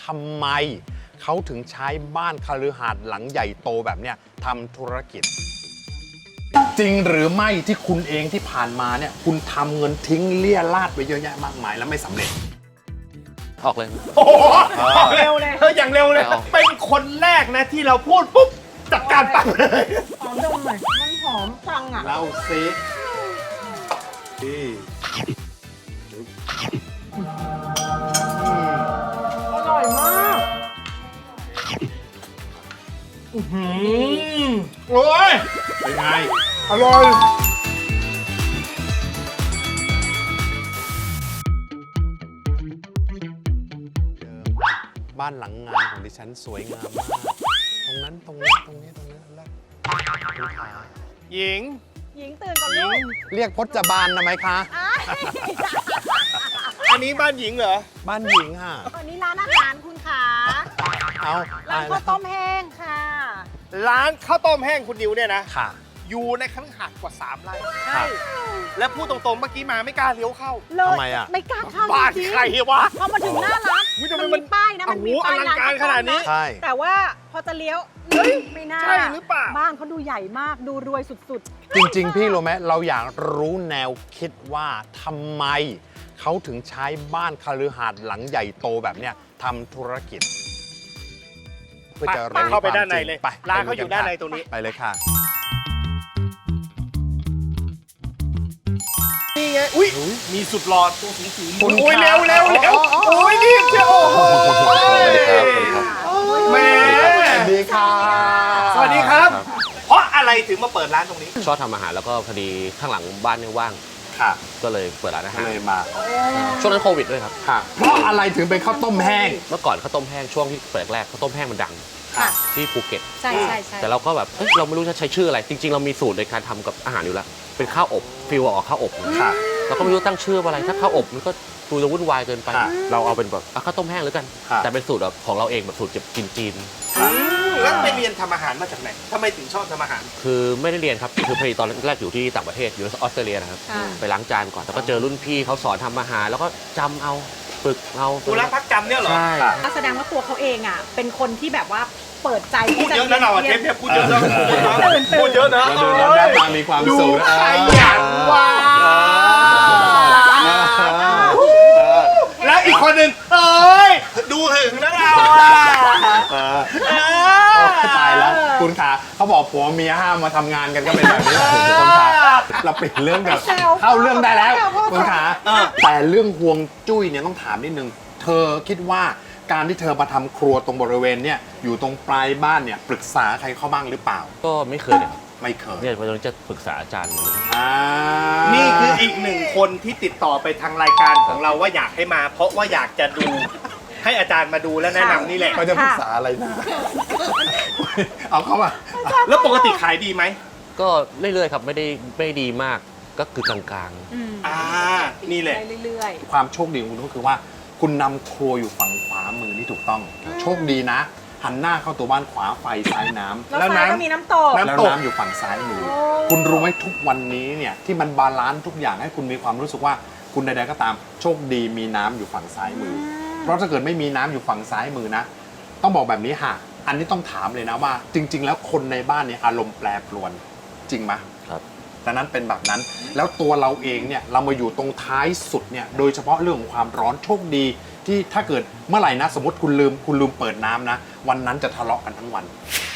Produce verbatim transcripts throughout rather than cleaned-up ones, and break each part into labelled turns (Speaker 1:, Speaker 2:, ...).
Speaker 1: ำไมเขาถึงใช้บ้านคฤหาสน์หลังใหญ่โตแบบเนี้ยทำธุรกิจจริงหรือไม่ที่คุณเองที่ผ่านมาเนี่ยคุณทำเงินทิ้งเลี่ยราดไปเยอะแยะมากมายแล้วไม่สำเร็จ
Speaker 2: ออกเลย
Speaker 3: โอ้โหเร็วเลยเอออย่างเร็วเลยเป็นคนแรกนะที่เราพูดปุ๊บจัดการปังเลย
Speaker 4: หอมดมหน่อยมันหอมจังอ่ะ
Speaker 1: เล่าซิ
Speaker 4: อร่อยมาก
Speaker 3: โอ้ย
Speaker 1: เป็นไง
Speaker 3: อร่อย
Speaker 1: บ้านหลังงานของดิฉันสวยงามมากตรงนั้นตรงนี้ตรงนี้ตรงนี้แล้วคุณขา
Speaker 3: หญิง
Speaker 4: หญิงตื่นก่อนลูก
Speaker 1: เรียกพจบาลนะไหมคะ
Speaker 3: อันนี้บ้านหญิงเหรอ
Speaker 1: บ้านหญิงค่ะ
Speaker 4: อันนี้ร้านอาหารคุณขา
Speaker 1: เอา
Speaker 4: ร้านข้าวต้มแห้งค่ะ
Speaker 3: ร้านข้าวต้มแห้งคุณนิวเนี่ยนะ
Speaker 1: ค่ะ
Speaker 3: อยู่ในคฤหาสน์กว่าสามไร่
Speaker 4: ใช่
Speaker 3: และพูดตรงๆเมื่อกี้มาไม่กล้าเลี้ยวเข้า
Speaker 1: ทำไมอ่ะ
Speaker 4: ไม่กล้าเข้า
Speaker 3: บ้านใครวะ
Speaker 4: พอมาถึงหน้าร้านมันมีป้ายนะมันมีป้ายร้าน
Speaker 3: ขนาดนี้
Speaker 1: ใช่
Speaker 4: แต่ว่าพอจะเลี้ยวไม่น่า
Speaker 3: ใช่หรือเปล่า
Speaker 4: บ้านเขาดูใหญ่มากดูรวยสุด
Speaker 1: ๆจริงๆพี่รู้ไหมเราอยากรู้แนวคิดว่าทำไมเขาถึงใช้บ้านคฤหาสน์หลังใหญ่โตแบบเนี้ยทำธุรกิจ
Speaker 3: เพื่อจะเข้าไปด้านในเลยร้านเขาอยู่ด้านในตรงนี้
Speaker 1: ไปเลยค่ะ
Speaker 3: นี่ไงอุ้ยมีสุดหลอดตัวสูงสูงโอ้ยเร็วเร็วเร็วโอ้ยนี่เจ้าโอ้โหแม่
Speaker 1: สวัสดีค่ะ
Speaker 3: สวัสดีครับเพราะอะไรถึงมาเปิดร้านตรงนี้
Speaker 2: ชอบทำอาหารแล้วก็พอดีข้างหลังบ้านเนี่ยว่าง
Speaker 1: ค่ะ
Speaker 2: ก็เลยเปิดร้านอาหาร
Speaker 1: เลยมา
Speaker 2: ช่วงนั้นโควิดด้วยครับ
Speaker 1: ค่ะเพราะอะไรถึงเป็นข้าวต้มแห้ง
Speaker 2: เมื่อก่อนข้าวต้มแห้งช่วงที่เปิดแรกข้าวต้มแห้งมันดังที่ภูเก็ต
Speaker 4: ใช่ใช่ใช่
Speaker 2: แต่เราก็แบบเราไม่รู้จะใช้ชื่ออะไรจริงๆเรามีสูตรในการทำกับอาหารอยู่แล้วเป็นข้าวอบฟิลออกข้าวอบ
Speaker 1: ค่ะ
Speaker 2: เราก็ไม่รู้ตั้งชื่ออะไรถ้าข้าวอบมันก็ดูจะวุ่นวายเกินไปเราเอาเป็นแบบข้าวต้มแห้งแล้วกันแต่เป็นสูตรแบบของเราเองแบบสูตรจีนจีน
Speaker 3: แล้วไปเรียนทำอาหารมาจากไหนทำไมถึงชอบทำอาหาร
Speaker 2: คือไม่ได้เรียนครับคือพอดีตอนแรกอยู่ที่ต่างประเทศอยู่ออสเตรเลียนะครับไปล้างจานก่อนแต่ก็เจอรุ่นพี่เขาสอนทำอาหารแล้วก็จำเอาฝึกเอา
Speaker 3: ดูแลพักจำเนี่ยเหรอ
Speaker 2: ใช่
Speaker 4: แสดงว่าตัวเขาเองอ่ะเป็นคนที่แบบว่าเปิดใจ
Speaker 3: พูดเยอะนะเราเทปเนี่ยพูดเยอะนะพูดเยอะนะ
Speaker 1: ดูแล้วหน้าตามีความสุข
Speaker 3: ขยันว่ะแล้วอีกคนหนึ่งเอ้ยดูหึงนะเรา
Speaker 1: ตายแล้วคุณขาเขาบอกผัวเมียห้ามมาทำงานกันก็เป็นแบบนี้คุณขาเราปิดเรื่องแบบเข้าเรื่องได้แล้วคุณขาแต่เรื่องห่วงจุ้ยเนี่ยต้องถามนิดนึงเธอคิดว่าการที่เธอมาทำครัวตรงบริเวณเนี่ยอยู่ตรงปลายบ้านเนี่ยปรึกษาใครเข้าบ้างหรือเปล่า
Speaker 2: ก็ไม่เคยเลย
Speaker 1: ไม่เคย
Speaker 2: เนี่ยวันนี้จะปรึกษาอาจารย์
Speaker 3: นี่คืออีกหนึ่งคนที่ติดต่อไปทางรายการของเราว่าอยากให้มาเพราะว่าอยากจะดูให้อาจารย์มาดูและแนะนำนี่แหละ
Speaker 1: เขาจะปรึกษาอะไรนะเอาเข้ามา
Speaker 3: แล้วปกติขายดีไหม
Speaker 2: ก็เรื่อยๆครับไม่ได้ไม่ดีมากก็คือกลาง
Speaker 3: ๆอ่านี่แหละ
Speaker 4: เรื่อย
Speaker 1: ๆความโชคดีของคุณก็คือว่าคุณนำครัวอยู่ฝั่งขวามือที่ถูกต้องโชคดีนะหันหน้าเข้าตัวบ้านขวาไฟซ้ายน้ำ
Speaker 4: แล้วน้ำก็มีน้ำตก
Speaker 1: แล้วน้ำอยู่ฝั่งซ้ายมือคุณรู้ไหมทุกวันนี้เนี่ยที่มันบาลานซ์ทุกอย่างให้คุณมีความรู้สึกว่าคุณใดๆก็ตามโชคดีมีน้ำอยู่ฝั่งซ้ายมือเพราะถ้าเกิดไม่มีน้ำอยู่ฝั่งซ้ายมือนะต้องบอกแบบนี้ค่ะอันนี้ต้องถามเลยนะว่าจริงๆแล้วคนในบ้านเนี่ยอารมณ์แปรปรวนจริงไหม
Speaker 2: ครับ
Speaker 1: ดังนั้นเป็นแบบนั้นแล้วตัวเราเองเนี่ยเรามาอยู่ตรงท้ายสุดเนี่ยโดยเฉพาะเรื่องของความร้อนโชคดีที่ถ้าเกิดเมื่อไหร่นะสมมติคุณลืมคุณลืมเปิดน้ำนะวันนั้นจะทะเลาะกันทั้งวัน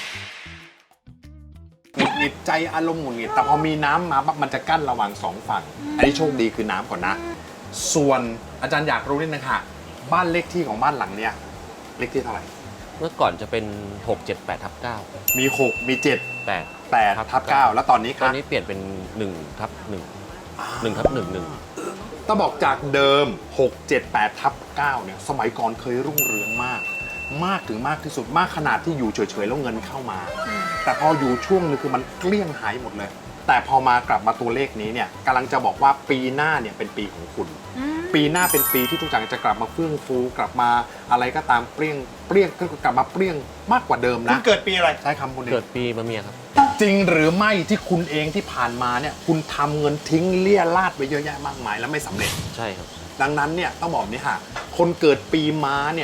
Speaker 1: หงุดหงิดใจอารมณ์หงุดหงิดแต่พอมีน้ำมาปั๊บมันจะกั้นระหว่างสองฝั่งอันนี้โชคดีคือน้ำก่อนนะส่วนอาจารย์อยากรู้นิดนึงค่ะบ้านเลขที่ของบ้านหลังเนี่ยเลขที่เท่าไหร่
Speaker 2: เมื่อก่อนจะเป็นหก เจ็ด แปด ทับ เก้า
Speaker 1: มีหกมีเจ็ด
Speaker 2: แปด
Speaker 1: แปดทับเก้าแล้วตอนนี้ครับ
Speaker 2: ตอนนี้เปลี่ยนเป็นหนึ่งทับหนึ่ง หนึ่งทับหนึ่ง หนึ่ง
Speaker 1: ต้องบอกจากเดิมหก เจ็ด แปด ทับ เก้าเนี่ยสมัยก่อนเคยรุ่งเรืองมากมากถึงมากที่สุดมากขนาดที่อยู่เฉยๆแล้วเงินเข้ามาแต่พออยู่ช่วงนึงคือมันเกลี้ยงหายหมดเลยแต่พอมากลับมาตัวเลขนี้เนี่ยกำลังจะบอกว่าปีหน้าเนี่ยเป็นปีของคุณปีหน้าเป็นปีที่ทุกอย่างจะกลับมาเฟื่องฟูกลับมาอะไรก็ตามเปรี้ยงเปรี้ยงก็กลับมาเปรี้ยงมากกว่าเดิมนะ
Speaker 3: คุณเกิดปีอะไร
Speaker 1: ใช้คำคุณเอง
Speaker 2: เกิดปีมะเมียครับ
Speaker 1: จริงหรือไม่ที่คุณเองที่ผ่านมาเนี่ยคุณทำเงินทิ้งเลี่ยราดไปเยอะแยะมากมายแล้วไม่สำเร็จ
Speaker 2: ใช่ครับ
Speaker 1: ดังนั้นเนี่ยต้องบอกนี่ค่ะคนเกิดปีม้าเนี่ยต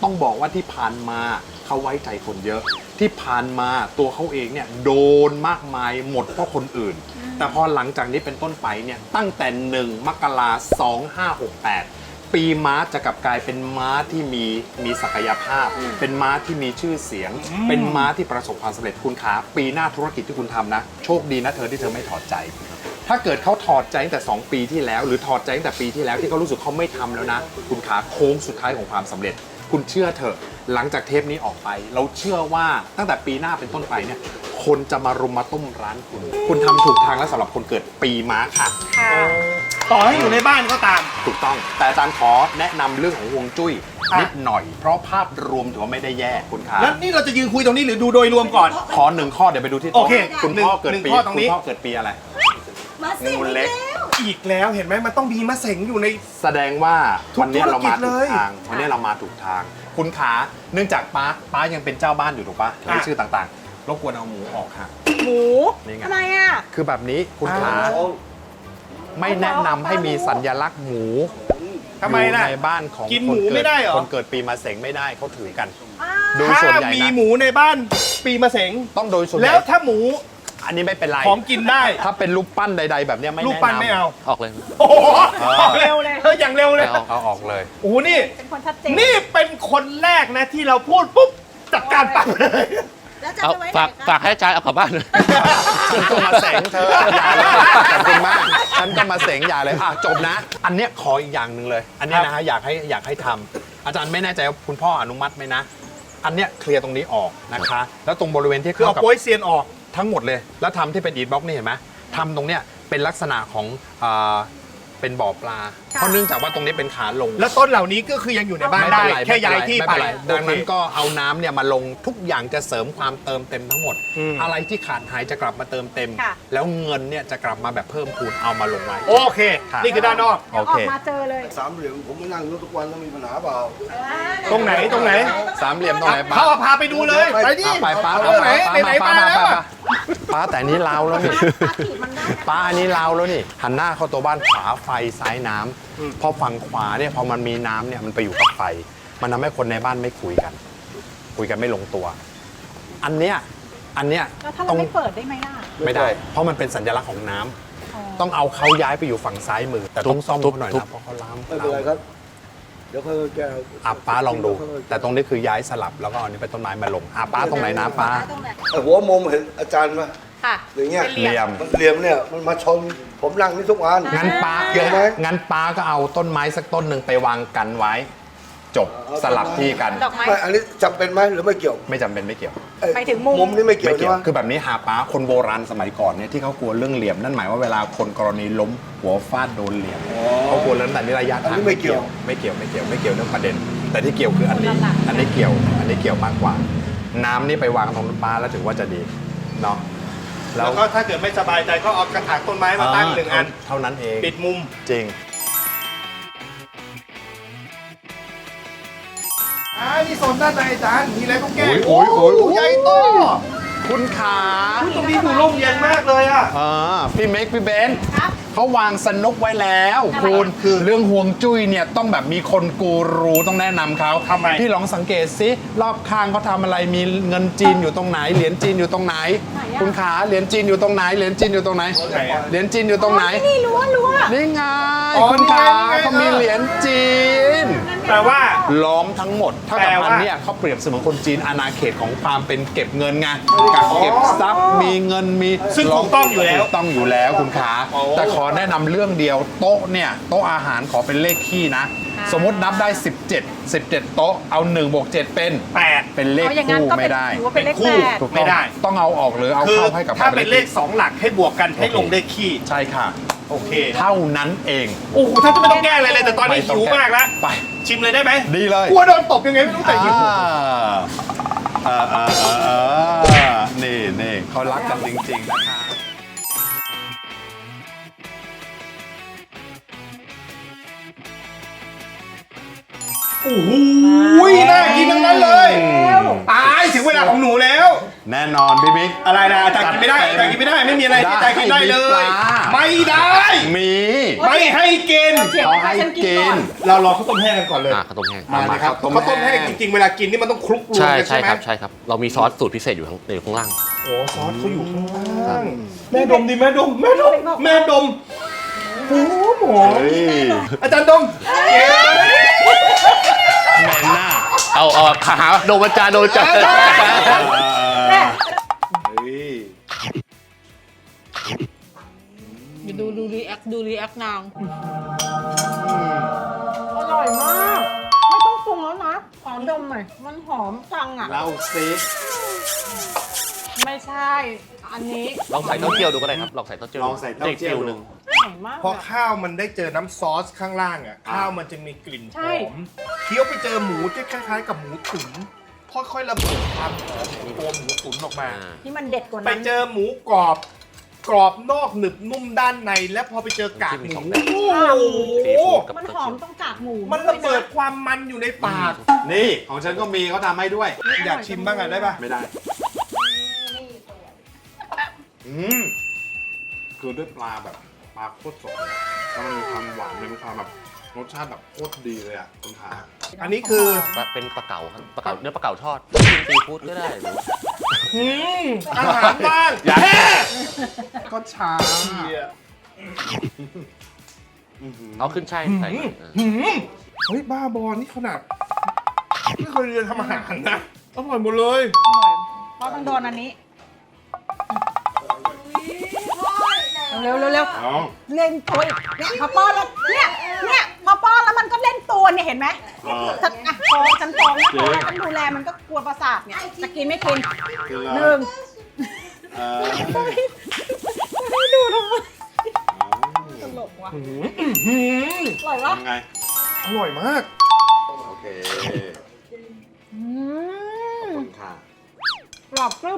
Speaker 1: ต้องบอกว่าที่ผ่านมาเขาไว้ใจคนเยอะ ที่ผ่านมาตัวเขาเองเนี่ยโดนมากมายหมดเพราะคนอื่น แต่พอหลังจากนี้เป็นต้นไปเนี่ยตั้งแต่หนึ่งมกราคมสองห้าหกแปดปีม้าจะกลับกลายเป็นม้าที่มีมีศักยภาพ เป็นม้าที่มีชื่อเสียง เป็นม้าที่ประสบความสำเร็จคุณขาปีหน้าธุรกิจที่คุณทำนะโชคดีนะเธอที่เธอไม่ถอดใจ ถ้าเกิดเขาถอดใจตั้งแต่สองปีที่แล้ว หรือถอดใจตั้งแต่ปีที่แล้วที่เขารู้สึกเขาไม่ทำแล้วนะ คุณขาโค้งสุดท้ายของความสำเร็จ คุณเชื่อเถอะหลังจากเทปนี้ออกไป เราเชื่อว่าตั้งแต่ปีหน้าเป็นต้นไปเนี่ยคนจะมารุมมาต้มร้านคุณ คุณทำถูกทางแล้วสำหรับคนเกิดปีม้าค่ะ
Speaker 4: ค่ะ
Speaker 3: ต่อให้อยู่ในบ้านก็ตาม
Speaker 1: ถูกต้องแต่อาจารย์ขอแนะนำเรื่องของฮวงจุ้ย
Speaker 3: อ่ะ
Speaker 1: นิดหน่อย เพราะภาพรวมถือว่าไม่ได้แย่คุณขา
Speaker 3: แล้วนี่เราจะยืนคุยตรงนี้หรือดูโดยรวมก่อน
Speaker 1: ขอหนึ่งข้อเดี๋ยวไปดูที่
Speaker 3: โอ
Speaker 1: โต๊ะ
Speaker 3: เค
Speaker 1: คุณพ่อเกิด
Speaker 3: หนึ่ง
Speaker 1: ปี
Speaker 3: ข้อตรงนี้
Speaker 1: คุณพ่อเกิดปีอะไร
Speaker 5: มาสิ
Speaker 1: งูเล็ก
Speaker 3: อีกแล้วเห็นไหมมันต้องมีมะเสงอยู่ใน
Speaker 1: แสดงว่า
Speaker 3: ทุก
Speaker 1: วันนี้เรามา
Speaker 3: ธุรกิจเล
Speaker 1: ถูก
Speaker 3: ย
Speaker 1: ทางวันนี้เรามาถูกทาง คุณขาเนื่องจากป้าป้ายังเป็นเจ้าบ้านอยู่ถูกปะมีชื่อต่างๆรบกวนเอาหมูออกค่ะ
Speaker 4: หมู
Speaker 1: นี่ไง
Speaker 4: ทำไมอ่ะ
Speaker 1: คือแบบนี้คุณขาไม่แนะนำให้มีสัญลักษณ์หมู
Speaker 3: ทำไม
Speaker 1: อยู่
Speaker 3: ล่ะ
Speaker 1: ในบ้านของ
Speaker 3: กิน
Speaker 1: ค
Speaker 3: หมู
Speaker 1: เกิ
Speaker 3: ไม่ได้เหรอ
Speaker 1: คนเกิดปีมะเสงไม่ได้เขาถือกัน
Speaker 4: อ้า
Speaker 1: โดย
Speaker 3: ถ้า
Speaker 1: ส่วนใหญ่
Speaker 3: มี
Speaker 1: นะ
Speaker 3: หมูในบ้านปีมะเสง
Speaker 1: ต้องโดยส่วนให
Speaker 3: แล้
Speaker 1: ญ่
Speaker 3: วถ้าหมู
Speaker 1: อันนี้ไม่เป็นไร
Speaker 3: ของกินได้
Speaker 1: ถ้าเป็นรูปปั้นใด ๆ แบบเนี้ยไม่
Speaker 3: รูป
Speaker 1: แนะ
Speaker 3: ปั้น
Speaker 1: นำ
Speaker 3: ไม่เอา
Speaker 2: ออกเลย
Speaker 3: โอ้โห
Speaker 1: เออ
Speaker 3: ออกเร็วเลยเอออย่างเร็วเลย
Speaker 2: ไม่เอา
Speaker 1: เอาออกเลย
Speaker 3: โอ้โหนี่
Speaker 4: เป็นคนชัดเจน
Speaker 3: นี่เป็นคนแรกนะที่เราพูดปุ๊บจัดการปั๊บเลย
Speaker 5: แล้วจะ
Speaker 2: เอา
Speaker 5: ไปไว้ไหน
Speaker 2: ฝาก
Speaker 5: คะ
Speaker 2: ฝากให้อาจารย์เอากลับบ้านเลย
Speaker 1: ฉันก็มาเสงเธออย่าเลยขอบคุณมากฉันก็มาเสงอย่าเลยอ่ะจบนะ อันเนี้ยขออีกอย่างหนึ่งเลย อันเนี้ยนะฮะอยากให้อยากให้ทำอาจารย์ไม่แน่ใจว่าคุณพ่ออนุมัติไหมนะ อันเนี้ยเคลียร์ตรงนี้ออกนะคะ แล้วตรงบริเวณที่
Speaker 3: คือเอา
Speaker 1: เข้ากับ
Speaker 3: โป้ยเซียนออก
Speaker 1: ทั้งหมดเลย แล้วทำที่เป็นอีทบ็อกนี่เห็นไหมทำตรงเนี้ยเป็นลักษณะของอ่าเป็นบ่อปลา เพราะเนื่องจากว่าตรงนี้เป็นขาลง
Speaker 3: แล้วต้นเหล่านี้ก็คือยังอยู่ในบ้าน
Speaker 1: ไม่
Speaker 3: ได้
Speaker 1: เป็นไร
Speaker 3: แค่ย้ายที่
Speaker 1: ไม่
Speaker 3: ไป
Speaker 1: เป็นไรดังนั้น
Speaker 3: โอเค
Speaker 1: ก็เอาน้ำเนี่ยมาลงทุกอย่างจะเสริมความเติมเต็มทั้งหมด
Speaker 3: อืม
Speaker 1: อะไรที่ขาดหายจะกลับมาเติมเต็ม
Speaker 4: ค่ะ
Speaker 1: แล้วเงินเนี่ยจะกลับมาแบบเพิ่มพูนเอามาลงไว้
Speaker 3: โอเค
Speaker 1: ค่ะ
Speaker 3: นี่คือด้านนอก
Speaker 4: เดี๋ยวออกมาเจอเลย
Speaker 6: สามเหลี่ยมผมมานั่งอยู่ทุกวันแล้วมีปัญหาเปล่า
Speaker 3: ตรงไหนตรงไหน
Speaker 1: สามเหลี่ยมตรงไหนป้า
Speaker 3: เขาเอาพาไปดูเลย
Speaker 6: ไป
Speaker 3: ไปดิ
Speaker 1: ไปป้า
Speaker 3: เอาไหนไหนๆ
Speaker 1: ป้า
Speaker 3: มา
Speaker 1: ป้า
Speaker 3: แล้ว
Speaker 1: ป้า
Speaker 3: อะ
Speaker 1: ป้าแต่อันนี้ลาวแล้วนี่
Speaker 4: ปลาถีบมันได้นะ
Speaker 1: ป้าอันนี้ลาวแล้วนี่หันหน้าเข้าตัวบ้านขวาไฟซ้ายน้ำพอฝั่งขวาเนี่ยพอมันมีน้ำเนี่ยมันไปอยู่กับไฟ มันทำให้คนในบ้านไม่คุยกัน คุยกันไม่ลงตัว อันเนี้ยอันเนี้ย
Speaker 4: แล้วถ้า
Speaker 1: ต้
Speaker 4: เรา
Speaker 1: อง
Speaker 4: ไม่เปิดได้ไหมล่ะ
Speaker 1: ไม่ได้ เพราะมันเป็นสัญลักษณ์ของน้ำ
Speaker 4: อ๋อ
Speaker 1: ต้องเอาเขาย้ายไปอยู่ฝั่งซ้ายมือ แต่ต้องซ่อม
Speaker 2: ทุบ
Speaker 1: เขาหน่อย
Speaker 2: ทุบ
Speaker 1: นะเพราะเขาล้าม
Speaker 6: ไม่เป็นไรครับ เดี๋ยวเขาแก้
Speaker 1: อ่ะป้าลองดู แต่ตรงนี้คือย้ายสลับแล้วก็เอาอันนี้เป็นต้นไม้มาลงอ่ะป้าตรงไหนนะป้า
Speaker 5: ตรงไหน
Speaker 6: ไอ้หัวมุมเห็นอาจารย์ไหม
Speaker 4: ค่ะ
Speaker 6: อย่างเงี้ย
Speaker 4: เป็นเหลี่ยม
Speaker 6: มันเหลี่ยมเนี่ยมันมาชนผมนั่งนี่ทุกวัน
Speaker 1: งั้นป้า
Speaker 6: เกี่ยวไหม
Speaker 1: งั้นป้าก็เอาต้นไม้สักต้นหนึ่งไปวางกันไว้ จบสลับที่กัน
Speaker 4: ดอกไม้
Speaker 6: ไม่อันนี้จำเป็นไหมหรือไม่เกี่ยว
Speaker 1: ไม่จำเป็นไม่เกี่ยว
Speaker 6: ไอ้
Speaker 4: ไปถึงมุม
Speaker 6: มุมนี่ไม่เกี่ยว
Speaker 1: ไม่
Speaker 6: ใช่
Speaker 1: เกี่ยว
Speaker 6: ไหม
Speaker 1: คือแบบนี้หาป้าคนโบราณสมัยก่อนเนี่ยที่เขากลัวเรื่องเหลี่ยมนั่นหมายว่าเวลาคนกรณีล้มหัวฟาดโดนเหลี่ยมเขากลัวเรื่องแต่นี่ระยะทางไม่เกี่ยวไม่เกี่ยวไม่เกี่ยวไม่เกี่ยวเรื่องประเด็น แต่ที่เกี่ยวคืออันนี้ อันนี้เกี่ยว อันนี้เกี่ยวมากกว่า น้ำนี่ไปวางตรงป้าแล้วถือว่าจะดีเนาะ
Speaker 3: แล้วก็ถ้าเกิดไม่สบายใจก็เอากระถางต้นไม้มาตั้งหนึ่งอัน
Speaker 1: เท่านั้นเอง
Speaker 3: ปิดมุม
Speaker 1: จริง
Speaker 3: อ่านี่โซนด้านในอาจารย์มีอะไรต้องแก้
Speaker 1: โอ้ยโอ้ยโอ้ย
Speaker 3: ใหญ่โต
Speaker 1: คุณขา
Speaker 3: ตรงนี้ดูร่มเย็นมากเลยอ่ะ
Speaker 1: อ่าพี่เมกพี่เบนซ์
Speaker 4: ครับ
Speaker 1: เขาวางสนุกไว้แล้ว
Speaker 4: อะไร
Speaker 1: คุณคือเรื่องห่วงจุ้ยเนี่ยต้องแบบมีคนกูรูต้องแนะนำเขา
Speaker 3: ทำไม
Speaker 1: พี่ลองสังเกตสิรอบข้างเขาทำอะไรมีเงินจีนอยู่ตรงไหนเหรียญจีนอยู่ตรงไหน
Speaker 4: ไหนอะ
Speaker 1: คุณขาเหรียญจีนอยู่ตรงไหนเหรียญจีนอยู่ตรงไหน
Speaker 3: ไหนอะ
Speaker 1: เหรียญจีนอยู่ตรงไหน
Speaker 4: นี่รั้วรั้ว
Speaker 1: นี่ไง
Speaker 3: อ๋อ
Speaker 1: คุณขา
Speaker 3: นี่ไง
Speaker 1: เขามีเหรียญจีน
Speaker 3: แปลว่า
Speaker 1: ล้อมทั้งหมดเท่ากับ
Speaker 3: แปลว่า
Speaker 1: อันเนี้ยเขาเปรียบเสมือนคนจีนอาณาเขตของความเป็นเก็บเงินไงกักเก็บทรัพย์มีเงินมี
Speaker 3: ซึ่งถูกต้องอยู่แล้ว
Speaker 1: ถูกต้องอยู่แล้วคุณขา
Speaker 3: โอ้
Speaker 1: แต่ขอแนะนำเรื่องเดียวโต๊ะเนี่ยโต๊ะอาหารขอเป็นเลขคี่นะ
Speaker 4: ค่ะ
Speaker 1: สมมตินับได้ สิบเจ็ด สิบเจ็ด โต๊ะเอา1บวก7เป็น
Speaker 3: แปด
Speaker 1: เป็นเลข
Speaker 4: เอาอย่างนั้น
Speaker 1: คู่
Speaker 4: ก็เป็
Speaker 1: ไม่
Speaker 4: น
Speaker 1: ได้
Speaker 4: ถือว่าเป็นเลข
Speaker 3: เป็นคู่
Speaker 4: แปด
Speaker 1: ถูก
Speaker 3: ไม่
Speaker 1: ต้อง
Speaker 3: ได้
Speaker 1: ต้องเอาออกหรือเอา
Speaker 3: คือ
Speaker 1: เข้าให้กับ
Speaker 3: ถ้าเป็นเลขสองหลักให้บวกกันให้ลงเลขคี่
Speaker 1: ใช่ค่ะ
Speaker 3: โอเค
Speaker 1: เท่านั้นเอง
Speaker 3: โอ้โหถ้าจะไม่ต้องแก้อะไรเลยแต่ตอนนี้
Speaker 1: ไม่ต้
Speaker 3: หิ
Speaker 1: อง
Speaker 3: ว
Speaker 1: แก้
Speaker 3: มากแล้ว
Speaker 1: ไป
Speaker 3: ชิมเลยได้ไหม
Speaker 1: ดีเลย
Speaker 3: กลัวโดนตบยังไงไม่รู้แต่หิว
Speaker 1: อ่าอ่าอ่าอ่าอ่านี่นี่เขารักกันจริงๆนะคะ
Speaker 3: โอ้โหน่ากินทั้งนั้นเลย ตายถึงเวลาของหนูแล้ว
Speaker 1: แน่นอนพี่มิก
Speaker 3: อะไรนะอาจารย์กินไม่ได้อาจารย์กินไม่ได้ไม่มีอะไรที่อาจารย์กินได้เล
Speaker 1: ได้
Speaker 3: ย
Speaker 1: มีปลา
Speaker 3: ไม่ได้
Speaker 1: มี
Speaker 3: ไม่ให้กิน
Speaker 4: เดี๋ยวให้ฉันกินก่อน
Speaker 3: เรารอข้าวต้มแห้งกันก่อนเลย
Speaker 2: อ่าข้าวต้มแห้ง
Speaker 1: มาเลยครับ
Speaker 3: ข้าวต้มแห้งจริงๆเวลากินนี่มันต้องคลุกรวม
Speaker 2: ใช่
Speaker 3: กัน
Speaker 2: ใช่
Speaker 3: ใช่ไหม
Speaker 2: ครับใช่ครับ เรามีซอสสูตรพิเศษอยู่ข้างในข้างล่าง
Speaker 3: โอ้ซอสเขาอยู่ข้างล่างแม่ดมดิแม่ดมแม่ดมแม่ดมโอ้โห
Speaker 1: เฮ้ย
Speaker 3: อาจารย์ดม
Speaker 1: แมนหน้า
Speaker 2: เอาเอาขาโดนประจานโดนประจาน
Speaker 4: แม่
Speaker 1: เฮ้ย
Speaker 5: อย่าดูดูรีแอคดูรีแอคนาง
Speaker 4: อร่อยมาก ไม่ต้องปรุงแล้วนะ ขอดมหน่อย มันหอมจังอ่ะ
Speaker 1: เล่าซิ
Speaker 4: ไม่ใช่ อันนี้
Speaker 2: ลองใส่เต้าเจี้ยวดูก็ได้ครับลองใส่เต้าเจี้ยว
Speaker 1: ลองใส่เต้าเจี้ยว
Speaker 2: ห
Speaker 1: ดู
Speaker 2: นึ่ง
Speaker 4: อร่อยมาก
Speaker 3: พอ
Speaker 4: อะ
Speaker 3: ข้าวมันได้เจอน้ำซอสข้างล่างอ่ะ
Speaker 1: อ่า
Speaker 3: ข้าวมันจะมีกลิ่นห
Speaker 4: ใช่
Speaker 3: อมเคี้ยวไปเจอหมูที่คล้ายๆกับหมูตุ๋นค่อยๆระเบิดความหอมของตัวหมูตุ๋นออกมา
Speaker 2: อ่า
Speaker 4: ที่มันเด็ดกว่า
Speaker 3: ไป
Speaker 4: นั้น
Speaker 3: เจอหมูกรอบ กรอบนอกหนึบนุ่มด้านใน แล้วพอไปเจอกากหมูโอ้
Speaker 2: ซี
Speaker 3: โห
Speaker 2: ฟู้ดกับ
Speaker 4: มัน
Speaker 2: เต้า
Speaker 4: หอ
Speaker 2: เจี้
Speaker 4: ม
Speaker 2: ยว
Speaker 4: ต้องกากหมู
Speaker 3: มันระเบิดความมันอยู่ในปาก
Speaker 1: นี่ของฉันก็มีเขาทำให้ด้วย
Speaker 3: อยากชิมบ้างอ่ะได้ปะ
Speaker 1: ไม่ได้ อืมคือด้วยปลาแบบปลาโคตรสดเลยแล้วมันมีความหวานมันมีความแบบรสชาติแบบโคตรดีเลยอ่ะคุณขา
Speaker 3: อันนี้คือ
Speaker 2: เป็นปลาเก๋าครับปลาเก๋าเนื้อปลาเก๋าทอดซีฟู้ดก็ได้หรือ
Speaker 3: อืมอาหารบ้าง
Speaker 2: อยาก
Speaker 3: แค่
Speaker 1: ก็ช้า
Speaker 2: เอาขึ้นใช่ใส่หน่อยเออ
Speaker 3: หืมเฮ้ยบ้าบอนี่ขนาดไม่เคยเรียนทำอาหารนะอร่อยหมดเลย
Speaker 4: อร่อยเพราะต้องโดนอันนี้ เร็วเร็วเร็ว
Speaker 1: เอา
Speaker 4: เล่นตัวอีกเนี่ยพอป้อนแล้วเนี่ยเนี่ยพอป้อนแล้วมันก็เล่นตัวเนี่ยเห็นไหม
Speaker 1: เออ
Speaker 4: ฉันอ่ะฟ้องฉันฟ้องนะ
Speaker 1: จริง
Speaker 4: ฟ้องฉันดูแลมันก็กลัวประสาทเนี่ยจะกินไม่กิน
Speaker 1: คือ
Speaker 4: หนึ่ง
Speaker 1: เออ
Speaker 4: ให้ดูทำไมตลกว่ะ
Speaker 3: หืมหืม
Speaker 4: อร่อยปะ
Speaker 1: ยังไง
Speaker 3: อร่อยมาก
Speaker 1: โอเค
Speaker 4: อืม
Speaker 1: คุณค่ะ
Speaker 4: กรอบกรึบ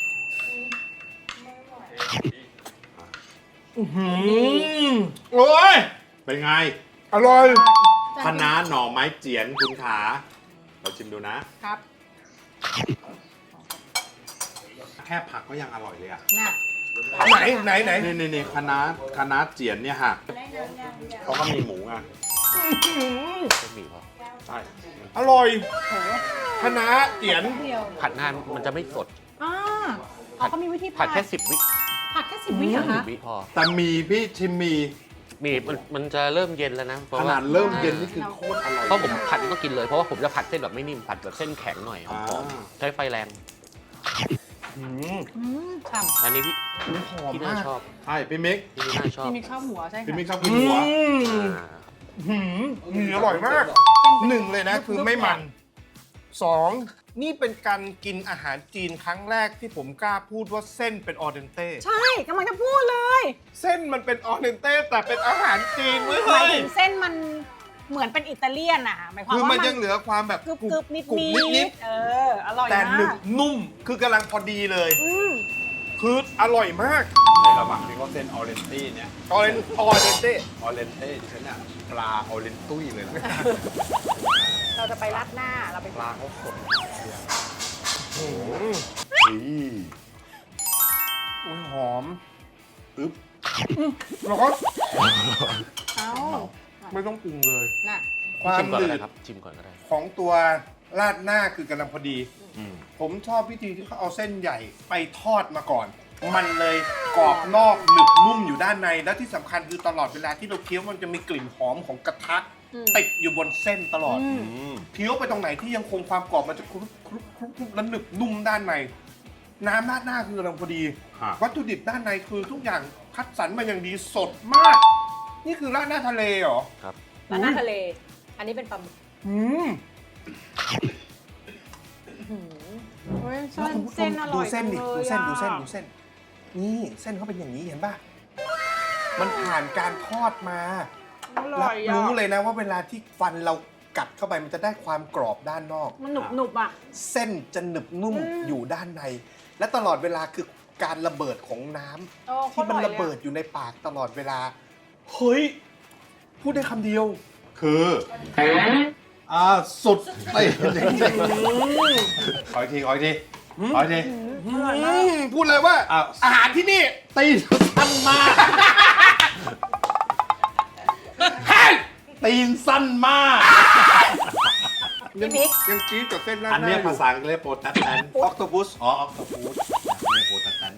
Speaker 3: หืมโอ้ย
Speaker 1: เป็นไง
Speaker 3: อร่อย
Speaker 1: คะน้าหน่อไม้เจียนคุณขาเราชิมดูนะ
Speaker 4: ครับ
Speaker 1: แค่ผักก็ยังอร่อยเลยอ่ะ
Speaker 4: น่ะ
Speaker 3: ไหนไหนไหน
Speaker 1: นี่นี่นี่คะน้าคะน้าเจียนเนี่ยฮะเขาก็มีหมูอ่ะ
Speaker 2: ก็มีพอ
Speaker 1: ใช่
Speaker 3: อร่อยคณะเจียน
Speaker 4: เดียว
Speaker 2: ผัดนานมันจะไม่สด
Speaker 4: อ่าอ๋อเขามีวิธี
Speaker 2: ผัดแค่สิบวิ
Speaker 4: ผัดแค่สิบวิเหรอ
Speaker 2: สิ
Speaker 4: คะ
Speaker 2: บวิพอ
Speaker 1: แต่มีพี่ชิมมี
Speaker 2: มีมันมันจะเริ่มเย็นแล้วนะเพ
Speaker 1: ข
Speaker 2: ราะ
Speaker 1: นา
Speaker 2: ว่า
Speaker 1: ดเริ่มเย็นนี่คือโคตรอร่อย
Speaker 2: เพราะผมผัดต้องกินเลยเพราะว่าผมจะผัดเส้นแบบไม่นิ่มผัดแบบเส้นแข็งหน่อยหอม
Speaker 1: อ่า
Speaker 2: ๆใช้ไฟแรง
Speaker 3: หืม
Speaker 4: อืมฉ่ำ
Speaker 2: อันนี้พี่
Speaker 3: หอม
Speaker 2: พี่น่าม
Speaker 3: าก
Speaker 2: ชอบ
Speaker 1: ใช่พี่มิก
Speaker 2: พี่น่าชอบ
Speaker 4: พี่มิกชอบหัวใช่
Speaker 1: พี่
Speaker 4: ค่ะ
Speaker 1: มิกชอบกิน
Speaker 3: อื
Speaker 1: หัว
Speaker 3: ม
Speaker 2: อ่า
Speaker 3: หืมหืมอร่อยมากหนึ่งเลยนะคือไม่มันสองนี่เป็นการกินอาหารจีนครั้งแรกที่ผมกล้าพูดว่าเส้นเป็นออเดนเต้
Speaker 4: ใช่กำลังจะพูดเลย
Speaker 3: เส้นมันเป็นออเดนเต้แต่เป็นอาหารจีนเว้ย
Speaker 4: หมาย
Speaker 3: เฮ้ย
Speaker 4: ถึงเส้นมันเหมือนเป็นอิตาเลียนอะหมายความ
Speaker 3: คือ
Speaker 4: ว่า
Speaker 3: มั
Speaker 4: มัน น
Speaker 3: ยังเหลือความแบบ
Speaker 4: กรึบกรึบนิด
Speaker 3: กรุบ
Speaker 4: นิ
Speaker 3: นิด
Speaker 4: ดเออ อร่อย
Speaker 3: แต่หนึ
Speaker 4: มา
Speaker 3: บ
Speaker 4: ก
Speaker 3: นุ่มคือกำลังพอดีเลย
Speaker 4: อืม
Speaker 3: คืออร่อยมาก
Speaker 1: ในระหว่างที่เขาเส้นออเรนตี้เนี่ย
Speaker 3: ออเรนออเดนเต้
Speaker 1: ออเรนเต้ดิฉันอะปลาออเรนตุ้ยเลยนะ
Speaker 4: เราจะไปรัดหน้าเราไป
Speaker 1: ปลาเขาสด
Speaker 3: อืม
Speaker 1: อี
Speaker 3: อุ้ยหอม
Speaker 1: อึ๊บ
Speaker 3: แล้วก็
Speaker 4: เอ้า
Speaker 3: ไม่ต้องปรุงเลย
Speaker 4: น่ะ
Speaker 3: ความ
Speaker 2: ชิมก่อน
Speaker 3: หนื
Speaker 2: ก็ได้
Speaker 3: ด
Speaker 2: ครับชิมก่อนก็ได้
Speaker 3: ของตัวราดหน้าคือกำลังพอดี
Speaker 1: อืม
Speaker 3: ผมชอบวิธีที่เขาเอาเส้นใหญ่ไปทอดมาก่อน มันเลยกรอบนอกหนึบนุ่มอยู่ด้านใน และที่สำคัญคือตลอดเวลาที่เราเคี้ยวมันจะมีกลิ่นหอมของกระทะ
Speaker 4: อืม
Speaker 3: ติดอยู่บนเส้นตลอด
Speaker 4: อืม
Speaker 1: อืม
Speaker 3: เคี้ยวไปตรงไหนที่ยังคงความกรอบมันจะครุบครุบครุบครุบและหนึบนุ่มด้านใน น้ำราดหน้าคือกำลังพอดี
Speaker 1: ฮะ
Speaker 3: วัตถุดิบด้านในคือทุกอย่างคัดสรรมาอย่างดีสดมาก นี่คือราดหน้าทะเลเหรอ
Speaker 2: ครับ
Speaker 4: รัดหน้าทะเล อันนี้เป็นปลาหมึก
Speaker 3: อืม
Speaker 4: เฮ้ย
Speaker 3: แล้ว
Speaker 4: เส้น
Speaker 3: คุณผู้ช
Speaker 4: เส้
Speaker 3: ม
Speaker 4: นอร่
Speaker 3: ดู
Speaker 4: อย
Speaker 3: เส้นดิ
Speaker 4: จัง
Speaker 3: ดู
Speaker 4: ลย
Speaker 3: เส้น
Speaker 4: อะ
Speaker 3: ดูเส้นดูเส้น นี่เส้นเขาเป็นอย่างนี้เห็นป่ะ มันผ่านการทอดมา
Speaker 4: อร่
Speaker 3: รั
Speaker 4: อบ ยอ่ะ
Speaker 3: รู้เลยนะว่าเวลาที่ฟันเรากัดเข้าไปมันจะได้ความกรอบด้านนอก
Speaker 4: มันหนุบหนุบอ่ะ
Speaker 3: เส้นจะหนึบนุ่ม
Speaker 4: อืม
Speaker 3: อยู่ด้านใน และตลอดเวลาคือการระเบิดของน้ำ
Speaker 4: โอ้โค
Speaker 3: ที่
Speaker 4: ตร
Speaker 3: มัน
Speaker 4: ออย
Speaker 3: ระ
Speaker 4: ลย
Speaker 3: เบิดอยู่ในปากตลอดเวลา เฮ้ย พูดได้คำเดียว
Speaker 1: คืออ่าสุดไปจริงๆขออีกทีขออีกทีเอาดิ
Speaker 3: อืมพูดเลยว่า
Speaker 1: อ้าว
Speaker 3: อาหารที่นี่
Speaker 1: ตีนสั้นมากตีนสั้นมาก
Speaker 3: ยังยังจี๊ดกับเส้นราดห
Speaker 1: อัน
Speaker 3: น้า
Speaker 1: เนี้ย
Speaker 3: อยู่
Speaker 1: ภาษาอังกฤษเรียกโปรตัสแตน
Speaker 3: ออกโตปุส
Speaker 1: อ๋อออกโตฟูสเรียกโปรตัสแตน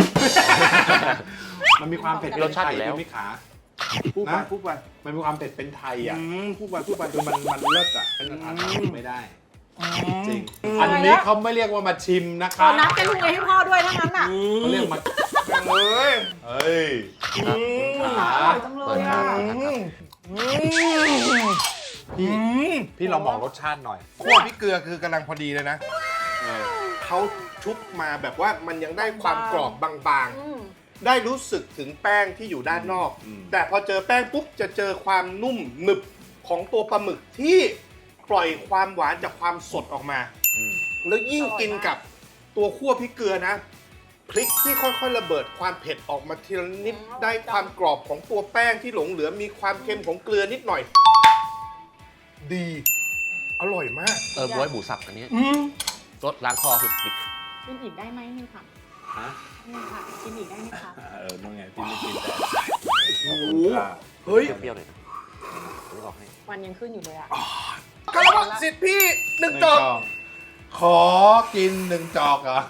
Speaker 1: มันมีความเผ็ด
Speaker 2: มีรสชาติอยู่แล้ว
Speaker 1: พี่ขา
Speaker 3: พูดไป
Speaker 1: นะ
Speaker 3: พูดไป
Speaker 1: มันมีความเผ็ดเป็นไทยอ่ะ
Speaker 3: อืมพูดไปพูดไป
Speaker 1: คือมันมันเลิศอ่ะเป็นอาหารไทยไม่ได้ จริง
Speaker 3: อืม
Speaker 1: อันนี้เขาไม่เรียกว่ามาชิมนะค
Speaker 4: ขอ
Speaker 1: รับ
Speaker 4: น้ำเป็นลุงเอให้พ่อด้วยทั้งนั้นอ่ะ
Speaker 1: เขาเรียกมา
Speaker 3: เอ้ย
Speaker 1: เฮ้ย
Speaker 3: อืม
Speaker 1: ขา
Speaker 4: อร่อยจังเลยอ่ะ
Speaker 3: อืมอืม
Speaker 1: พี่
Speaker 3: อืม
Speaker 1: พี่ลองบอกรสชาติหน่อย
Speaker 3: คั่วพริกเกลือคือกำลังพอดีเลยนะ
Speaker 1: เออ
Speaker 3: เขาชุบมาแบบว่ามันยังได้ความกรอบบาง
Speaker 4: อืม
Speaker 3: ๆ ได้รู้สึกถึงแป้งที่อยู่ด้านนอก
Speaker 1: อืม
Speaker 3: แต่พอเจอแป้งปุ๊บจะเจอความนุ่มหนึบของตัวปลาหมึกที่ปล่อยความหวานจากความสดออกมา
Speaker 1: อืม
Speaker 3: แล้วยิ่งกินกับตัวคั่วพริกเกลือนะพริกที่ค่อยๆระเบิดความเผ็ดออกมาทีละนิดได้ความกรอบของตัวแป้งที่หลงเหลือมีความเค็มของเกลือนิดหน่อย ดี อร่อยมาก
Speaker 2: เออบ๊วยหมูสับอันนี้
Speaker 3: อืม
Speaker 2: รสล้างคอสุด
Speaker 4: กินอีกได้ไหมนี่ค่ะ
Speaker 1: ฮะ
Speaker 4: นี่ค่ะ กินอีกได้ไหมคะ
Speaker 1: เออนั่นไงพี่ไม่กินแต่
Speaker 3: โอ้โหเฮ้ย
Speaker 2: เปรี้ยวๆหน่อยนะผมบอกให้
Speaker 4: วันยังขึ้นอยู่เลยอ่ะ
Speaker 3: กระบอกสิทธิ์พี่หนึ่งจอก
Speaker 1: ขอกินหนึ่งจอกเหรอ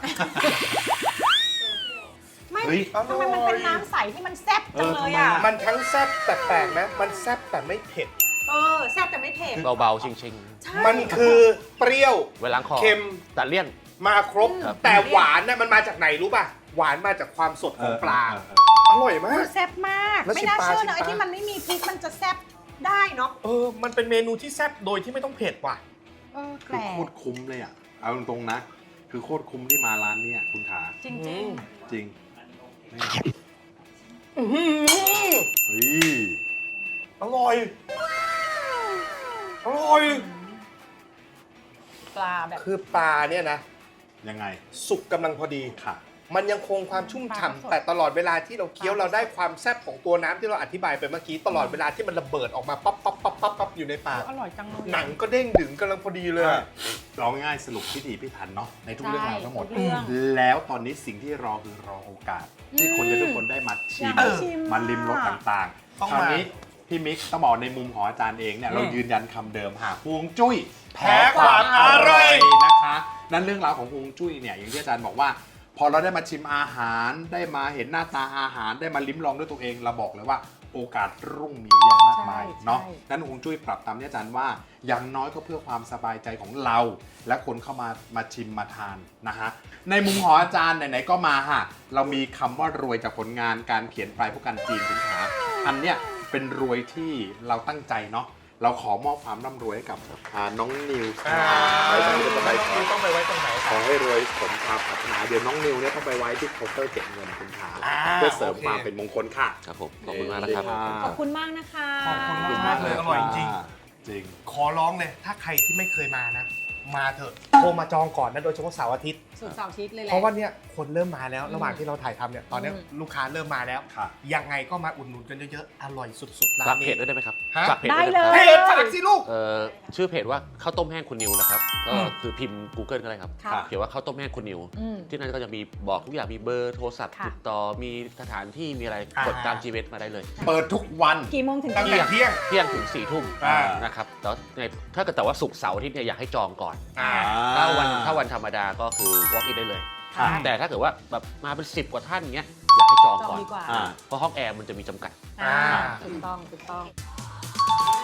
Speaker 4: ไม่
Speaker 1: เฮ้ย
Speaker 4: ทำไมมันเป็นน้ำใสที่มันแซ่บจังเลยอ่ะ
Speaker 1: เออทำไมอะ
Speaker 3: มันทั้งแซ่บแต่แปลกนะ มันแซ่บแต่ไม่เผ็ด
Speaker 4: เออ แซ่บแต่ไม่เผ็ด
Speaker 2: เบาๆ ชิง
Speaker 4: ใช่
Speaker 3: มันคือเปรี้ยว
Speaker 2: ๆ ไว้ล้างคอ
Speaker 3: เค็ม
Speaker 2: ตัดเลี่ยน
Speaker 3: มาครบ
Speaker 2: ครับ
Speaker 3: แต่หวานน่ะมันมาจากไหนรู้ป่ะ หวานมาจากความสดของปลา
Speaker 1: เออเออเออ
Speaker 3: อร่อยมาก
Speaker 4: แซ่บมาก
Speaker 3: แล้ว
Speaker 4: ไม่
Speaker 3: ชิม
Speaker 4: น่า
Speaker 3: ปลา
Speaker 4: เชื่อ
Speaker 3: ชิม
Speaker 4: นะไอ้
Speaker 3: ปลา
Speaker 4: ที่มันไม่มีพริกมันจะแซ่บได้เนาะ
Speaker 3: เออ มันเป็นเมนูที่แซ่บโดยที่ไม่ต้องเผ็ดว่ะ
Speaker 4: เออแป
Speaker 1: คื
Speaker 4: ล
Speaker 1: อก โคตรคุ้มเลยอ่ะ เอาตรงๆนะ คือโคตรคุ้มที่มาร้านเนี้ยคุณขา
Speaker 4: จริง
Speaker 3: อืม
Speaker 1: จริงนี่
Speaker 3: อื้อหือ
Speaker 1: เฮ้ย
Speaker 3: อร่อย อร่อย
Speaker 4: ๆ ปลาแบบ
Speaker 3: คือปลาเนี่ยนะ
Speaker 1: ยังไง
Speaker 3: สุกกำลังพอดี
Speaker 1: ค่ะ
Speaker 3: มันยังคงความชุ่ม
Speaker 4: ปลาสด
Speaker 3: ฉ่ำแต่ตลอดเวลาที่เราเคี้ยวเราได้ความแซ่บของตัวน้ำที่เราอธิบายไปเมื่อกี้ตลอดเวลาที่มันระเบิดออกมาปั๊บปั๊บปั๊บปั๊บปั๊บอยู่ในปาก
Speaker 4: อร่อยจังเลย
Speaker 3: หนังก็เด้งดึงกำลังพอดีเลยอะ
Speaker 1: เราง่ายๆสรุปพิถีพิถันเนาะในทุกเรื่องราวทั้งหมด
Speaker 4: ใช่ทุกเรื่อง
Speaker 1: แล้วตอนนี้สิ่งที่รอคือรอโอกาส ที่คนจะทุกคนได้มาชิ
Speaker 4: อยาม กชิม
Speaker 1: มาลิมรสต่าง
Speaker 3: ต้อง
Speaker 1: ๆคราว
Speaker 3: มา
Speaker 1: นี้พี่มิกซ์ต้องบอกในมุมของอาจารย์เองเนี่ย
Speaker 3: อืม
Speaker 1: เรายืนยันคำเดิมหากฮวงจุ้ย
Speaker 3: แพ้ความอร่อย
Speaker 1: นะคะ นั่นเรื่องราวของฮวงจุ้ยเนี่ยอย่างที่อาจารย์บอกว่า พอเราได้มาชิมอาหารได้มาเห็นหน้าตาอาหารได้มาลิ้มลองด้วยตัวเองเราบอกเลยว่าโอกาสรุ่งมีเยอะมากมาย
Speaker 4: ใช่
Speaker 1: เนาะ
Speaker 4: ใช่
Speaker 1: นั้นฮวงจุ้ยปรับตามที่อาจารย์ว่าอย่างน้อยก็เพื่อความสบายใจของเรา และคนเข้ามามาชิมมาทานนะฮะในมุมของอาจารย์ไหนๆก็มาฮะเรามีคำว่ารวยจากผลงานการเขียนปลายผู้กันจีนคุณขาอันเนี้ยเป็นรวยที่เราตั้งใจเนาะเราขอมอบความร่ำรวยให้กับอ่าน้องนิว
Speaker 3: อ่า
Speaker 1: ไปตรงนี้ต้องไปขอ
Speaker 3: ต้องไปไว้ตรงไหน
Speaker 1: ขอให้รวยสมความปรารถนาเดี๋ยวน้องนิวเนี่ยต้องไปไว้ที่เคาน์เตอร์เก็บเงินคุณขา
Speaker 3: อ่า
Speaker 1: เพื่อเสริม
Speaker 3: โอเค
Speaker 1: ความเป็นมงคลค่ะ
Speaker 2: ครับผม ขอบคุณมากนะครับ
Speaker 4: ขอบคุณมากนะคะ
Speaker 3: ขอบคุณมากเลยอร่อยจริง
Speaker 1: จริง
Speaker 3: ขอร้องเลย ถ้าใครที่ไม่เคยมานะ มาเถอะโทรมาจองก่อนนะโดยเฉพาะเสาร์อาทิตย์
Speaker 4: สุดเสาร์อาทิตย์เลยแหละ
Speaker 3: เพราะว่าเนี่ยคนเริ่มมาแล้ว ระหว่าง
Speaker 4: อืม
Speaker 3: ที่เราถ่ายทำเนี่ยตอนเนี้ย
Speaker 4: อืม
Speaker 3: ลูกค้าเริ่มมาแล้ว
Speaker 1: ค่ะ
Speaker 3: ยังไงก็มาอุดหนุนกันเยอะๆ อร่อยสุดๆร้า
Speaker 2: ฝาก
Speaker 3: น
Speaker 2: เพ
Speaker 3: นี้
Speaker 2: จด้วยได้ไหมครับ
Speaker 3: ฮะ
Speaker 2: ฝากเพจ
Speaker 4: ได้
Speaker 2: ด้วย
Speaker 4: เล
Speaker 2: นะครับ
Speaker 4: ย
Speaker 3: เพจฝากสิลูก
Speaker 2: เอ่อชื่อเพจว่าข้าวต้มแห้งคุณนิวนะครับ ก็
Speaker 3: อืม
Speaker 2: คือพิมพ์ Google ก็ได้ครับ
Speaker 4: ค่ะ
Speaker 2: เขียนว่าข้าวต้มแห้งคุณนิว
Speaker 4: อืม
Speaker 2: ที่นั่นก็จะมีบอกทุกอย่างมีเบอร์โทรศัพท์
Speaker 4: ค่ะ
Speaker 2: ติดต่อมีสถานที่มีอะไร
Speaker 3: อ่าก
Speaker 2: ดตาม จี พี เอส มาได้เลย
Speaker 1: เปิดทุกวัน
Speaker 4: กี่โมงถึง
Speaker 3: ตั้ง
Speaker 4: กี่
Speaker 3: แต่เที่ยง
Speaker 2: เที่ยงถึงสี่ทุ่ม
Speaker 3: อ่า
Speaker 2: นะครับแล้วในถ้าเกิดแต่ว่าศุกร์เสาร์อาทิตย์เนี่ยอยากให้จองก่อน
Speaker 3: อ่า
Speaker 2: ถ้าวันถ้าวันธรรมดาก็คือ walk in ได้เลย
Speaker 1: ค่ะ
Speaker 2: แต่ถ้าเกิดว่าแบบมาเป็นสิบกว่าท่านเงี้ยอยากให้จอง
Speaker 4: จอง
Speaker 2: ก่อน
Speaker 4: ดีกว่า
Speaker 1: อ่า
Speaker 2: เพราะห้องแอร์มันจะมีจำกัด
Speaker 4: อ่า
Speaker 3: อ่า
Speaker 4: ถูกต้องถูกต้อง